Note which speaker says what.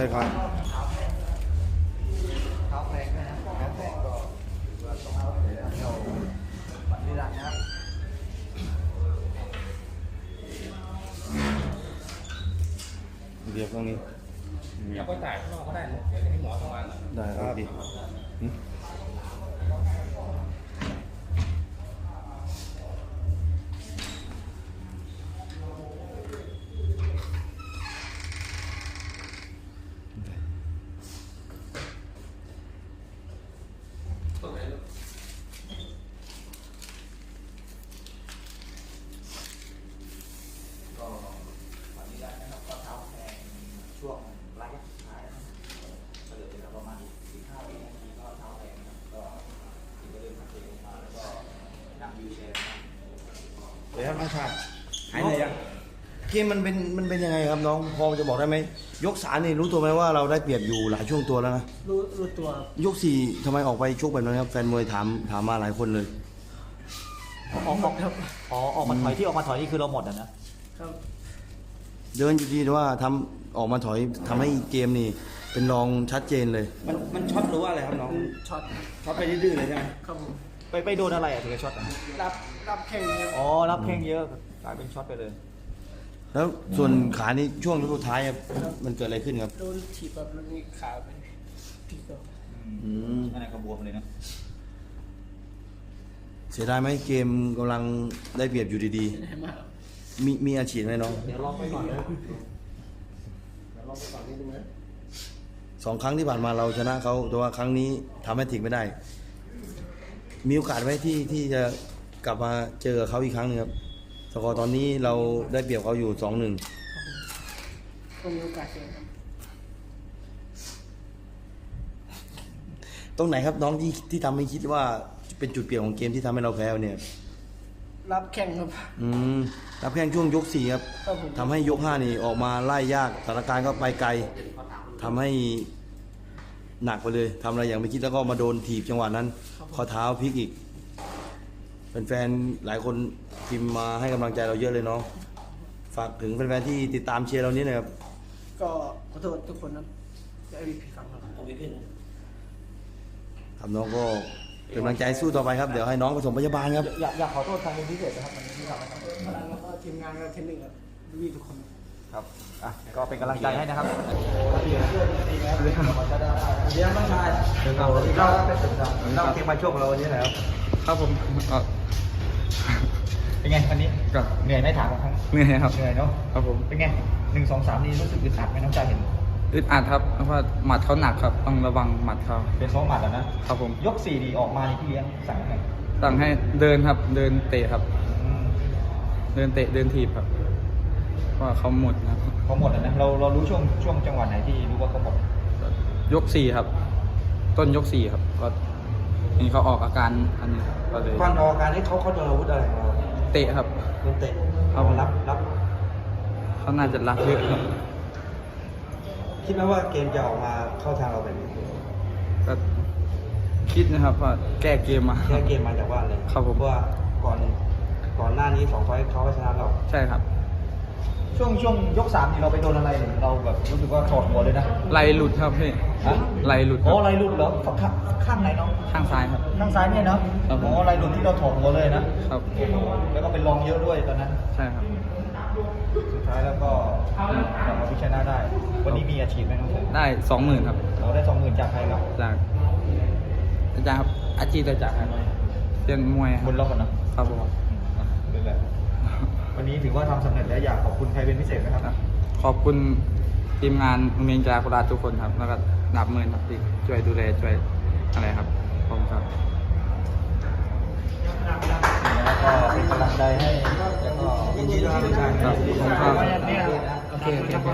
Speaker 1: ได้ครับ
Speaker 2: เท้าแรงนะเท้าแรงก็ถือว่าต้องเอาเลยนะเราบัตรนิรันดร์นะครับ
Speaker 1: เรียบตรงนี้
Speaker 3: อยากไปจ่ายข้างนอกก็ได้เดี๋ยวให้หมอทำงาน
Speaker 1: ได้ครับพี่
Speaker 2: ช่วงระยะสุดท้ายก็เหลือเวลาประมาณ15 วินาทีก็เท้าแรงนะครับก็เริ่มหักเองมาแล้วก็นั่งวิวแชร์
Speaker 1: เดี๋ยวครับน้องชายหายเลยยังเกมมันเป็นยังไงครับน้องพอจะบอกได้ไหมยก3นี่รู้ตัวไหมว่าเราได้เปรียบอยู่หลายช่วงตัวแล้วนะ
Speaker 4: รู้ตัวย
Speaker 1: ก4ทำไมออกไปชกแบบนั้นครับแฟนมวยถามมาหลายคนเลย
Speaker 2: ออกมาถอยที่ออกมาถอยนี่คือเราหมดอ่ะนะครับ
Speaker 1: เดินอยู่ดีแต่ว่าออกมาถอยทำให้เกมนี่เป็นรองชัดเจนเลยมันช็อตหรือว่าอะไรครับน้องช็อตไปดื้อเลยใช่ไหม
Speaker 4: ครับผม
Speaker 2: ไปโดนอะไรอ่ะถึงจะช็อตอ่ะ
Speaker 4: รับแข่งเยอะ
Speaker 2: รับแข้งเยอะกลายเป็นช็อตไปเลย
Speaker 1: แล้วส่วนขานี่ช่วงสุดท้ายมันเกิดอะไรขึ้นครับ
Speaker 4: โดนถีบแบบแล้วนี่ขาไปที่ก็
Speaker 2: อันไหนก็บวมเลยนะ
Speaker 1: เสียดายไหมเกมกำลังได้เปรียบอยู่ดีๆมีอาชีพไหมน้อง
Speaker 2: เดี๋ยวลองไปก่อนเลย
Speaker 1: 2 ครั้งที่ผ่านมาเราชนะเขาแต่ว่าครั้งนี้ทำให้ถึงไม่ได้มีโอกาสไหมที่จะกลับมาเจอเขาอีกครั้งนึงครับสกอร์ตอนนี้เราได้เปรียบเขาอยู่ 2-1
Speaker 4: ก็มีโอกาสเจอครับ
Speaker 1: ตรงไหนครับน้องที่ทำให้คิดว่าเป็นจุดเปลี่ยนของเกมที่ทำให้เราแพ้เนี่ย
Speaker 4: รับแข่งครับ
Speaker 1: รับแข่งช่วงยก4ครับทำให้ยก5นี่ออกมาไล่ยากสถานการณ์ก็ไปไกลทำให้หนักไปเลยทำอะไรอย่างไม่คิดแล้วก็มาโดนถีบจังหวะนั้นข้อเท้าพลิกอีกแฟนๆหลายคนพิมพ์มาให้กำลังใจเราเยอะเลยเนาะฝากถึงแฟนๆที่ติดตามเชียร์เรานี้หน่อยครับ
Speaker 4: ก็ขอโทษทุกคนนะจะไม่ผิดฝังครับ
Speaker 1: ครับน้องก็เป็นกำลังใจสู้ต่อไปครับเดี๋ยวให้น้องผสมพยาบาลครับ
Speaker 2: อยากขอโทษทางเป็นพิเศษนะครับมันที่ทำให้ทำ
Speaker 4: แล้วก็ทีมงานและเทรนนิ่งครับดีทุกคน
Speaker 2: ครับก็เป็นกำลังใจให้นะครับเดี๋ยวน้องชายเราเก็บมาช่วงเราวันนี้แล้ว
Speaker 3: ครับผม
Speaker 2: เป็นไงวันนี้ก็เหนื่อยไหมถามครั้ง
Speaker 3: เหนื่อยครับ
Speaker 2: เหนื่อยเนาะ
Speaker 3: ครับผม
Speaker 2: เป็นไง1 2 3นี่รู้สึกอึดอัดไหมน้องชายเห็น
Speaker 3: อึดอัดครับเพราะว่าหมัดเขาหนักครับต้องระวังหมัดเขา
Speaker 2: เป็น2 หมัดแล้วนะครับ
Speaker 3: ผม
Speaker 2: ยก4ดีออกมาที่เลี้ยงสั่งไง
Speaker 3: สั่งให้เดินครับเดินเตะครับเดินเตะเดินถีบครับว่าเขาหมดนะ
Speaker 2: เขาหมดแล้วนะเรารู้ช่วงจังหวะไหนที่รู้ว่าเขาหมด
Speaker 3: ยก4ครับต้นยก4ครับก็นี่เขาออกอาการอันนี้ก็เลย
Speaker 2: ก่อนออกอาการนี้เขาโดนอาวุธอะไรมา
Speaker 3: เตะครับ
Speaker 2: โดนเตะ
Speaker 3: เขา
Speaker 2: รับ
Speaker 3: เขาน่าจะรับเยอะครับ
Speaker 2: คิดไหมว่าเกมจะออกมาเข้าทางเราแบบนี้
Speaker 3: ก็คิดนะครับว่าแก้เกมมา
Speaker 2: จากว่าเลย
Speaker 3: ครับผม
Speaker 2: เพราะว่าก่อนหน้านี้2 ไฟล์เขาก็ชนะเรา
Speaker 3: ใช่ครับ
Speaker 2: ช่วงยก3นี่เราไปโดนอะไรเราแบบรู้สึกว่าถอดหัวเลยนะ
Speaker 3: ไหลหลุดครับพี่ไหลหลุด
Speaker 2: ไหลหลุดเหรอข้างไหนน้อง
Speaker 3: ข้างซ้ายครับ
Speaker 2: ข้างซ้ายเนี่ยเนาะไหลหลุดที่เราถอดหัวเลยนะครับแล้วก็เป็นรองเยอะด้วยตอนนั้น
Speaker 3: ใช่ครับ
Speaker 2: สุดท้ายแล้วก็กลับมาพิชนะได้วันนี้มีอาชีพไหมน้อง
Speaker 3: ได้20,000ครับ
Speaker 2: เราได้20,000จากใครครับ
Speaker 3: จากอาจารย์ครับอาชีพจากใครเรียนมวย
Speaker 2: บนรอบก่อนนะครับ
Speaker 3: ผม
Speaker 2: เป็นแบบวันนี้ถือว่าทำสำเร็จแล้วอยากขอบคุณใครเป็นพิเศษไหมครับ
Speaker 3: ขอบคุณทีมงานโรงเรียนกีฬาโคราชทุกคนครับแล้วก็นับหมื่นครับที่ช่วยดูแลช่วยอะไรครับผมครับ
Speaker 2: แล้วก็เป็นกำลังใจให้แล้วก็ยินดีด้วยครับทุกท่านครับโอเค